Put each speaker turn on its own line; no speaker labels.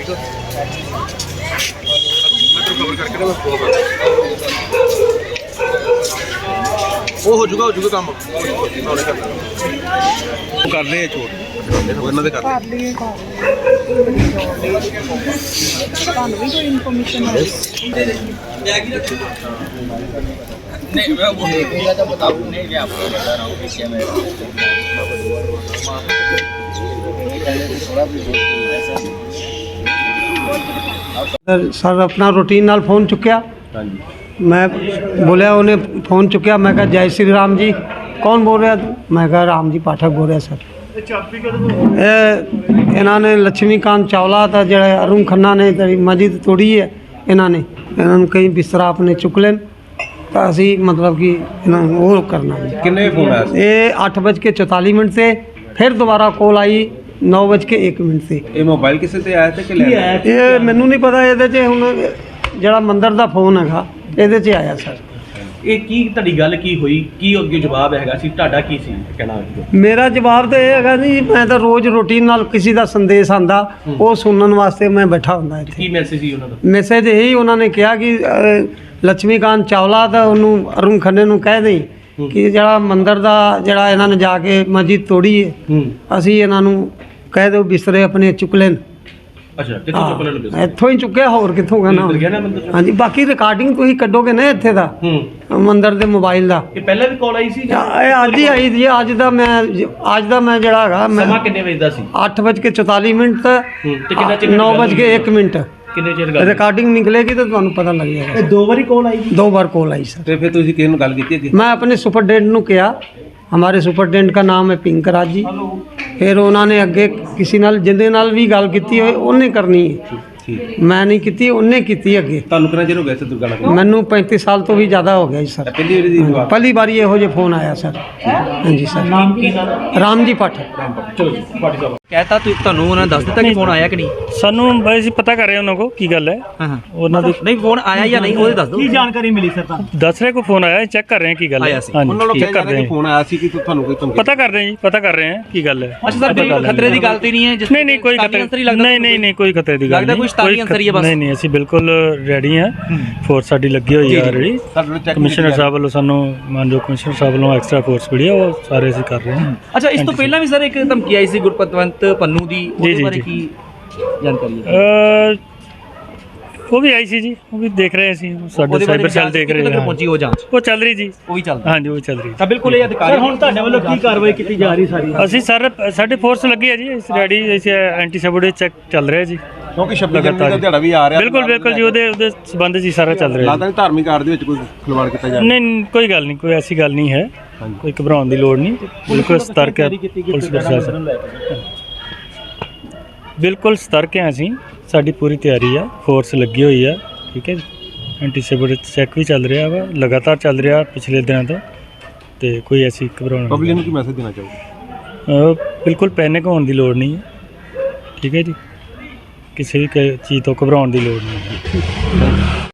वो हो जाऊगा काम कर ले छोड़ इन्होंने कर लिए नहीं मैं वो देखूंगा तो बताऊँ नहीं मैं आपको बता रहा हूँ कि क्या मैं
सर अपना रूटीन नाल फोन चुक्या मैं बोलिया उन्हें फोन चुक्या मैं कहा जय श्री राम जी कौन बोल रहा तू मैं कहा राम जी पाठक बोल रहा सर इन्होंने लक्ष्मीकांत चावला था जड़ा अरुण खन्ना ने मस्जिद तोड़ी है इन्होंने कहीं बिस्तरा अपने चुक लेन तो असी मतलब कि वो करना
किन्ने फोन आया
ये 8:44 से फिर दोबारा कॉल आई 9:01 से
ये मोबाइल किसी से आया था कि
ये मैनू नहीं पता ये हुण ਜਿਹੜਾ ਮੰਦਰ ਦਾ ਫੋਨ ਹੈਗਾ ਇਹਦੇ 'ਚ ਆਇਆ ਸਰ
ਇਹ ਕੀ ਤੁਹਾਡੀ ਗੱਲ ਕੀ ਹੋਈ ਕੀ ਅੱਗੇ ਜਵਾਬ ਹੈਗਾ ਸੀ ਤੁਹਾਡਾ ਕੀ ਸੀ ਕਹਿਣਾ
ਮੇਰਾ ਜਵਾਬ ਤਾਂ ਇਹ ਹੈਗਾ ਜੀ ਮੈਂ ਤਾਂ ਰੋਜ਼ ਰੂਟੀਨ ਨਾਲ ਕਿਸੇ ਦਾ ਸੰਦੇਸ਼ ਆਂਦਾ ਉਹ ਸੁਣਨ ਵਾਸਤੇ ਮੈਂ ਬੈਠਾ ਹੁੰਦਾ ਇੱਥੇ
ਕੀ ਮੈਸੇਜ ਸੀ ਉਹਨਾਂ ਦਾ
ਮੈਸੇਜ ਇਹੀ ਉਹਨਾਂ ਨੇ ਕਿਹਾ ਕਿ ਲక్ష్ਮੀਕਾਂਤ ਚਾਵਲਾ ਤਾਂ ਉਹਨੂੰ ਅਰੁਣ ਖੰਨੇ ਨੂੰ ਕਹਿ ਦੇਈ ਕਿ ਜਿਹੜਾ ਮੰਦਰ ਦਾ ਜਿਹੜਾ ਇਹਨਾਂ ਨੇ ਜਾ ਕੇ ਮਸਜਿਦ ਤੋੜੀ ਹੈ ਅਸੀਂ ਇਹਨਾਂ ਨੂੰ ਕਹਿ ਦਿਓ ਬਿਸਤਰੇ ਆਪਣੇ ਚੁੱਕ ਲੈਣ
ਅੱਛਾ ਕਿੱਥੋਂ ਚੁੱਕ ਲੈਣ ਬਿਸਤਰੇ
ਇੱਥੋਂ ਹੀ ਚੁੱਕਿਆ ਹੋਰ ਕਿੱਥੋਂ ਕਹਿਣਾ ਹਾਂਜੀ ਬਾਕੀ ਰਿਕਾਰਡਿੰਗ ਤੁਸੀਂ ਕੱਢੋਗੇ ਨਾ ਇੱਥੇ ਦਾ ਮੰਦਰ ਦੇ ਮੋਬਾਈਲ ਦਾ
ਇਹ ਪਹਿਲਾਂ ਵੀ ਕਾਲ ਆਈ ਸੀ
ਇਹ ਅੱਜ ਹੀ ਆਈ ਜੀ ਅੱਜ ਦਾ ਮੈਂ ਜਿਹੜਾ ਹੈਗਾ ਮੈਂ
ਸਮਾਂ ਕਿੰਨੇ ਵਜੇ ਦਾ ਸੀ
8:44 ਤੇ
ਕਿੰਨਾ ਚਿਰ
9:01
ਕਿੰਨੇ ਚਿਰ ਗੱਲ
ਰਿਕਾਰਡਿੰਗ ਨਿਕਲੇਗੀ ਤਾਂ ਤੁਹਾਨੂੰ ਪਤਾ ਲੱਗ ਜਾਏਗਾ
ਇਹ ਦੋ ਵਾਰੀ ਕਾਲ ਆਈ
ਦੋ ਵਾਰ ਕਾਲ आई सर
ਤੇ ਫਿਰ ਤੁਸੀਂ ਕਿਹਨੂੰ ਗੱਲ ਕੀਤੀ ਅੱਗੇ
मैं अपने सुपरडेंट ਨੂੰ किया हमारे सुपरडेंट का नाम है पिंकराज जी फिर उन्होंने अगे किसी नाल जिंदे नाल भी गल की होए उन्हें करनी है मैं नहीं की उन्हें की अगे
ਤੁਹਾਨੂੰ ਕਿੰਨਾ ਚਿਰ ਹੋ ਗਿਆ ਸੀ ਦੁਰਗਾ ਨਾਲ
मैनू 35 साल तो भी ज़्यादा हो गया जी सर
ਪਹਿਲੀ ਵਾਰੀ ਦੀ ਗੱਲ
पहली बार ये हो फोन आया सर हाँ जी सर
ਨਾਮ ਕੀ ਨਾਮ
राम जी पाठक
ਚਲੋ ਜੀ ਪਾਟੀ ਸਾਹਿਬ
कहता ਤੁਹਾਨੂੰ ਉਹਨਾਂ ਨੇ ਦੱਸ ਦਿੱਤਾ ਕਿ ਫੋਨ ਆਇਆ ਕਿ ਨਹੀਂ
ਸਾਨੂੰ ਬਈ ਅਸੀਂ ਪਤਾ ਕਰ ਰਹੇ ਉਹਨਾਂ ਕੋ ਕੀ ਗੱਲ ਹੈ
ਹਾਂ ਹਾਂ
ਉਹਨਾਂ ਦੇ
ਨਹੀਂ ਫੋਨ ਆਇਆ ਜਾਂ ਨਹੀਂ ਉਹਦੇ ਦੱਸ ਦਿਓ
ਕੀ ਜਾਣਕਾਰੀ ਮਿਲੀ ਸਰ ਤੁਹਾਨੂੰ
ਦੱਸ ਰਹੇ ਕੋ ਫੋਨ ਆਇਆ ਚੈੱਕ ਕਰ ਰਹੇ ਹਾਂ ਕੀ ਗੱਲ ਹੈ
ਆਇਆ ਸੀ।
ਉਹਨਾਂ ਨੂੰ
ਚੈੱਕ
ਕਿਹਾ
ਕਰ
ਜਾ
ਰਹੇ
ਕਿ ਫੋਨ ਆਇਆ ਸੀ ਕਿ ਤੁਹਾਨੂੰ ਕੋਈ ਧਮਕੀ
ਪਤਾ ਕਰ ਰਹੇ ਹਾਂ ਜੀ ਪਤਾ ਕਰ ਰਹੇ ਹਾਂ ਕੀ ਗੱਲ ਹੈ
ਅੱਛਾ ਸਰ ਬਿਲਕੁਲ ਖਤਰੇ ਦੀ ਗੱਲ ਤੇ ਨਹੀਂ ਹੈ ਜਿਸ
ਨਹੀਂ ਨਹੀਂ ਕੋਈ ਖਤਰੇ ਨਹੀਂ ਕੋਈ ਖਤਰੇ ਦੀ ਗੱਲ
ਲੱਗਦਾ ਕੋਈ ਸ਼ੈਤਾਨੀ ਅੰਸਰ ਹੀ ਹੈ ਬਸ
ਨਹੀਂ ਨਹੀਂ ਅਸੀਂ ਬਿਲਕੁਲ ਰੈਡੀ ਹਾਂ ਫੋਰਸ ਸਾਡੀ ਲੱਗੀ ਹੋਈ ਹੈ ਆਲਰੇਡੀ ਕਮਿਸ਼ਨਰ ਸਾਹਿਬ ਵੱਲੋਂ ਸਾਨੂੰ ਮਾਨਯੋਗ ਕਮਿਸ਼ਨਰ ਸਾਹਿਬ ਵੱਲੋਂ ਐਕਸਟਰਾ ਫੋਰਸ ਮਿਲੀ ਹੈ ਉਹ ਸਾਰੇ ਅਸੀਂ ਕਰ ਰਹੇ ਹਾਂ
ਅੱਛਾ ਇਸ ਤੋਂ ਪਹਿਲਾਂ ਵੀ ਸਰ ਇੱਕ ਧਮਕੀ ਆਈ ਸੀ ਗੁਰਪਤਵੰਤ ਪੰਨੂ ਦੀ ਉਹਦੇ ਬਾਰੇ ਕੀ ਜਾਣਕਾਰੀ ਹੈ
ਉਹ ਵੀ ਆਈ ਸੀ ਜੀ ਉਹ ਵੀ ਦੇਖ ਰਹੇ ਸੀ ਸਾਡੇ ਸਾਈਬਰ ਸੈੱਲ ਦੇਖ ਰਹੇ ਹਾਂ
ਪਹੁੰਚੀ ਉਹ ਜਾਂਚ
ਉਹ ਚੱਲ ਰਹੀ ਜੀ
ਉਹ ਵੀ ਚੱਲਦਾ
ਹਾਂਜੀ ਉਹ ਚੱਲ ਰਹੀ
ਤਾਂ ਬਿਲਕੁਲ ਇਹ ਅਧਿਕਾਰੀ
ਸਰ ਹੁਣ ਤੁਹਾਡੇ ਵੱਲੋਂ ਕੀ ਕਾਰਵਾਈ ਕੀਤੀ ਜਾ ਰਹੀ ਸਾਰੀ
ਅਸੀਂ ਸਰ ਸਾਡੇ ਫੋਰਸ ਲੱਗੀ ਹੈ ਜੀ ਇਸ ਰੈਡੀ ਇਸ ਐਂਟੀ ਸਬੋਡੇ ਚੈੱਕ ਚੱਲ ਰਿਹਾ ਜੀ
ਕਿਉਂਕਿ 26 ਜਨਵਰੀ ਦਾ ਦਿਹਾੜਾ ਵੀ ਆ ਰਿਹਾ
ਬਿਲਕੁਲ ਜੀ ਉਹਦੇ ਸੰਬੰਧ ਜੀ ਸਾਰਾ ਚੱਲ ਰਿਹਾ
ਲੱਗਦਾ ਨਹੀਂ ਧਾਰਮਿਕ ਆੜ ਦੇ ਵਿੱਚ ਕੋਈ ਖਿਲਵਾੜ ਕੀਤਾ ਜਾ ਰਿਹਾ
ਨਹੀਂ ਕੋਈ ਗੱਲ ਨਹੀਂ ਕੋਈ ਐਸੀ ਗੱਲ ਨਹੀਂ ਹੈ ਕੋਈ ਘਬਰਾਉਣ ਦੀ ਲੋੜ ਨਹੀਂ ਬਿਲਕੁਲ ਸਤਰਕ ਹੈ ਪੁਲਿਸ ਪ੍ਰਸ਼ਾਸਨ ਬਿਲਕੁਲ ਸਤਰਕ ਹੈ ਅਸੀਂ ਸਾਡੀ ਪੂਰੀ ਤਿਆਰੀ ਆ ਫੋਰਸ ਲੱਗੀ ਹੋਈ ਆ ਠੀਕ ਹੈ ਜੀ ਐਂਟੀ ਸਬੋਡੇ ਚੈੱਕ ਵੀ ਚੱਲ ਰਿਹਾ ਵਾ ਲਗਾਤਾਰ ਚੱਲ ਰਿਹਾ ਪਿਛਲੇ ਦਿਨਾਂ ਤੋਂ ਤੇ ਕੋਈ ਐਸੀ ਘਬਰਾਉਣ
ਪਬਲਿਕ ਨੂੰ ਕੀ ਮੈਸੇਜ ਦੇਣਾ ਚਾਹੋਗੇ
ਬਿਲਕੁਲ ਪੈਨਿਕ ਹੋਣ ਦੀ ਲੋੜ ਨਹੀਂ ਹੈ ਠੀਕ ਹੈ ਜੀ ਕਿਸੇ ਵੀ ਚੀਜ਼ ਤੋਂ ਘਬਰਾਉਣ ਦੀ ਲੋੜ ਨਹੀਂ ਹੈ